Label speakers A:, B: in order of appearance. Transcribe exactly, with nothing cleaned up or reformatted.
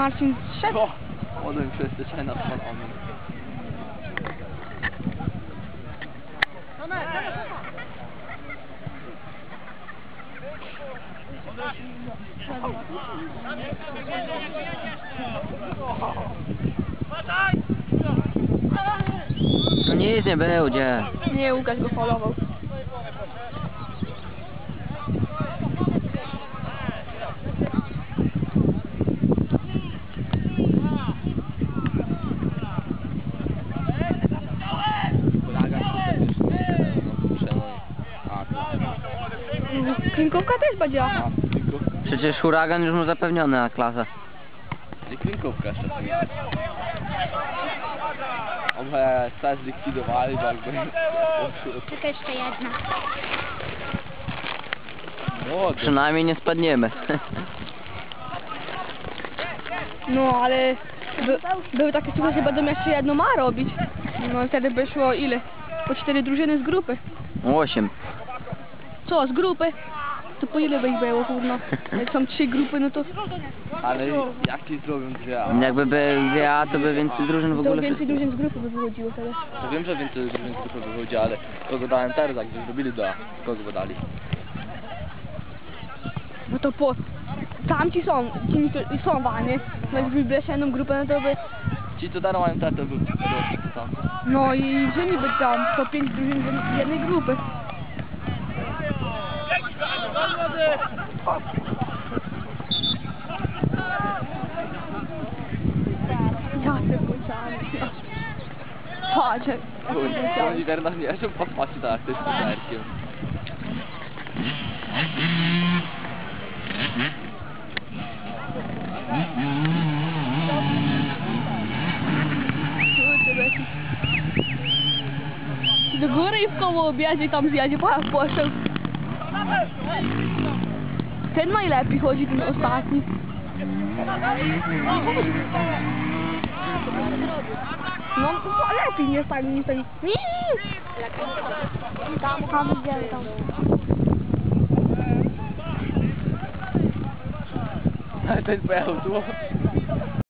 A: Marcin zszedł.
B: O, młodym przestyczaj nad panem.
C: No nic nie będzie.
A: Nie, Łukasz go faulował. Klinkówka też będzie.
B: A, klinkówka.
C: Przecież huragan już mu zapewniony na klasę.
B: I klinkówka jeszcze tam jest. Oby coś zlikwidowali, bo jakby...
D: Tylko jeszcze jedna.
B: Młody.
C: Przynajmniej nie spadniemy.
A: No, ale by, były takie słuchy, że będą jeszcze jedno ma robić. No wtedy by szło ile? Po cztery drużyny z grupy.
C: Osiem.
A: Co, z grupy? To po ile by ich było, kurno? Jak są trzy grupy, no to...
B: Ale jak ci zrobią dwie A?
C: Jakby by ja, to by więcej drużyn w
A: To
C: ogóle
A: więcej
C: wszystkich.
A: drużyn z grupy by wychodziło wtedy.
B: To wiem, że więcej drużyn z grupy wychodzi, ale kogo dałem teraz, jak zrobili do A? Kogo by dali?
A: No to po... Tamci są, ci to- są wany. No jakby wybierz jedną grupę, no to by...
B: Ci co daną mają tatę, by tam.
A: No i że niby tam po pięć drużyn z jednej grupy. Ja te bociany. Patrz, jak
B: To oni teraz nie są podpatrzeć tak, to jest kuderkiem.
A: do góry i w koło objadzie tam zjadzie po poseł. Ten najlepiej chodzi, ten ostatni. No lepiej nie stoi, nie stoi. Tam, tam idziemy, tam.
B: Ale ten pojechał tu.